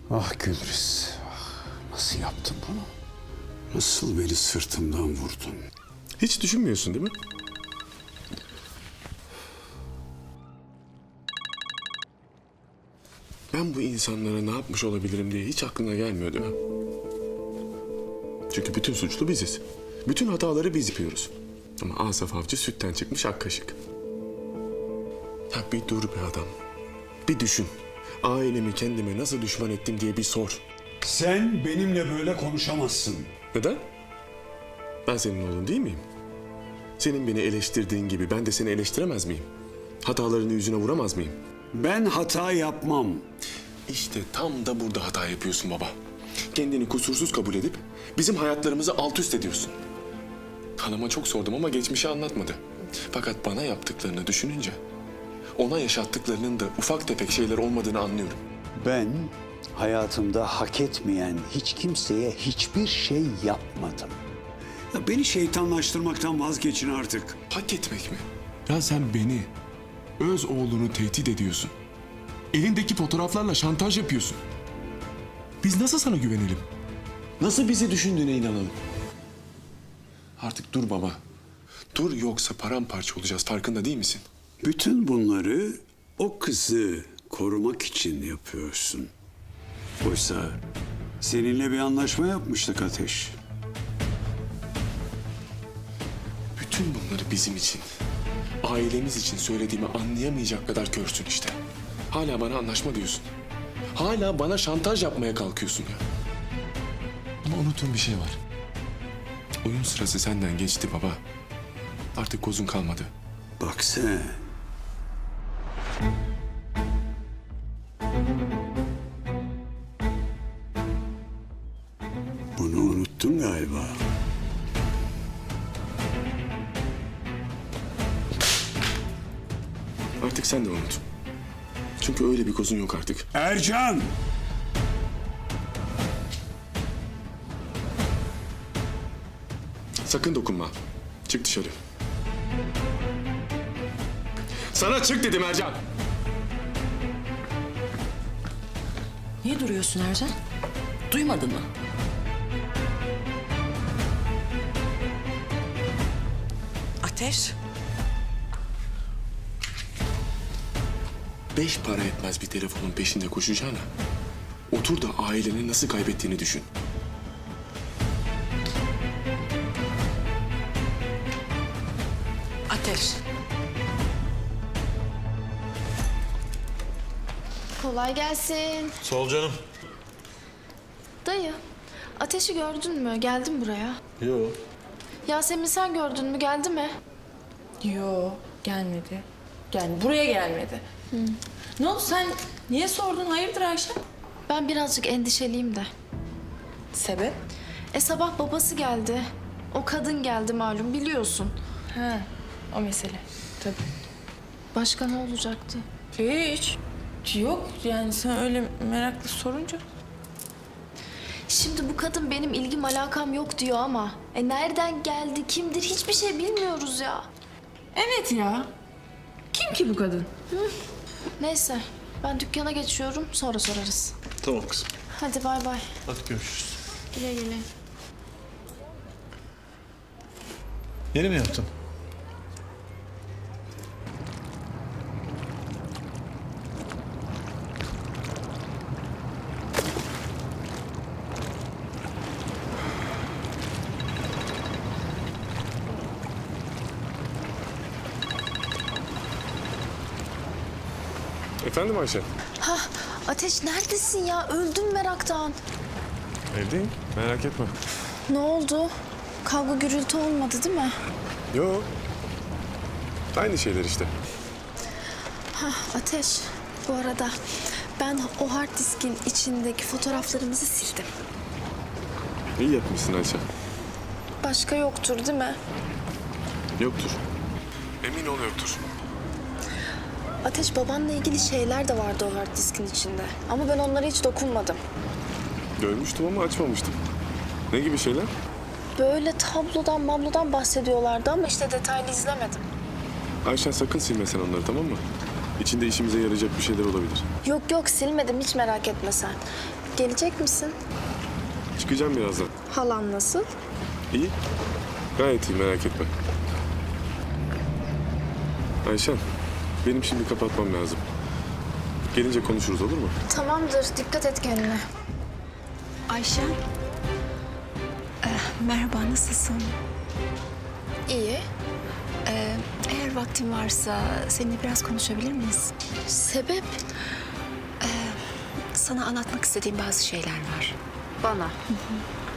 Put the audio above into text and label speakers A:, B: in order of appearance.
A: Ah Gülriz, nasıl yaptın bunu? Nasıl beni sırtımdan vurdun?
B: Hiç düşünmüyorsun değil mi? Ben bu insanlara ne yapmış olabilirim diye hiç aklına gelmiyor değil mi? Çünkü bütün suçlu biziz. Bütün hataları biz yapıyoruz. Ama Asaf Avcı sütten çıkmış ak kaşık. Ya bir dur be adam. Bir düşün. Ailemi kendime nasıl düşman ettim diye bir sor.
A: Sen benimle böyle konuşamazsın.
B: Neden? Ben senin oğlun değil miyim? Senin beni eleştirdiğin gibi ben de seni eleştiremez miyim? Hatalarını yüzüne vuramaz mıyım?
A: Ben hata yapmam.
B: İşte tam da burada hata yapıyorsun baba. Kendini kusursuz kabul edip bizim hayatlarımızı alt üst ediyorsun. Hanıma çok sordum ama geçmişi anlatmadı. Fakat bana yaptıklarını düşününce ona yaşattıklarının da ufak tefek şeyler olmadığını anlıyorum.
A: Ben hayatımda hak etmeyen hiç kimseye hiçbir şey yapmadım. Ya beni şeytanlaştırmaktan vazgeçin artık.
B: Hak etmek mi? Ya sen beni, öz oğlunu tehdit ediyorsun. Elindeki fotoğraflarla şantaj yapıyorsun. Biz nasıl sana güvenelim? Nasıl bizi düşündüğüne inanalım? Artık dur baba. Dur yoksa paramparça olacağız, farkında değil misin?
A: Bütün bunları o kızı korumak için yapıyorsun. Oysa seninle bir anlaşma yapmıştık Ateş.
B: Bütün bunları bizim için, ailemiz için söylediğimi anlayamayacak kadar körsün işte. Hala bana anlaşma diyorsun. Hala bana şantaj yapmaya kalkıyorsun ya. Ama unuttuğum bir şey var. Oyun sırası senden geçti baba. Artık kozun kalmadı.
A: Bak sen. Bunu unuttun galiba.
B: Artık sen de unut. Çünkü öyle bir kozun yok artık.
A: Ercan!
B: Sakın dokunma. Çık dışarı. Sana çık dedim Ercan.
C: Niye duruyorsun Ercan? Duymadın mı? Ateş.
B: 5 para etmez bir telefonun peşinde koşacağına otur da aileni nasıl kaybettiğini düşün.
C: Ateş.
D: Kolay gelsin.
E: Sağ ol canım.
D: Dayı, Ateş'i gördün mü? Geldi mi buraya?
E: Yo.
D: Yasemin sen gördün mü? Geldi mi?
C: Yo, gelmedi. Buraya gelmedi. Ne oldu sen niye sordun? Hayırdır Ayşe?
D: Ben birazcık endişeliyim de.
C: Sebep?
D: Sabah babası geldi. O kadın geldi malum biliyorsun.
C: Ha, o mesele. Tabii.
D: Başka ne olacaktı?
C: Hiç. Yok yani sen öyle meraklı sorunca.
D: Şimdi bu kadın benim ilgim alakam yok diyor ama... nereden geldi, kimdir hiçbir şey bilmiyoruz ya.
C: Evet ya. Kim ki bu kadın?
D: Neyse, ben dükkana geçiyorum sonra sorarız.
E: Tamam kızım.
D: Hadi bay bay.
E: Hadi görüşürüz.
D: Güle güle.
E: Yeni mi yaptın?
B: Efendim Ayşe?
D: Ateş neredesin ya? Öldüm meraktan.
B: Evdeyim. Merak etme.
D: Ne oldu? Kavga gürültü olmadı değil mi?
B: Yo. Aynı şeyler işte.
D: Ateş, bu arada ben o hard diskin içindeki fotoğraflarımızı sildim.
B: İyi yapmışsın Ayşe.
D: Başka yoktur değil mi?
B: Yoktur. Emin ol yoktur.
D: Ateş, babanla ilgili şeyler de vardı o hard diskin içinde. Ama ben onlara hiç dokunmadım.
B: Görmüştüm ama açmamıştım. Ne gibi şeyler?
D: Böyle tablodan bahsediyorlardı ama işte detaylı izlemedim.
B: Ayşen sakın silme sen onları, tamam mı? İçinde işimize yarayacak bir şeyler olabilir.
D: Yok silmedim, hiç merak etme sen. Gelecek misin?
B: Çıkacağım birazdan.
D: Halan nasıl?
B: İyi. Gayet iyi, merak etme. Ayşen, benim şimdi kapatmam lazım. Gelince konuşuruz, olur mu?
D: Tamamdır. Dikkat et kendine.
F: Ayşe. Merhaba, nasılsın?
D: İyi.
F: Eğer vaktin varsa seninle biraz konuşabilir miyiz?
D: Sebep?
F: Sana anlatmak istediğim bazı şeyler var.
D: Bana.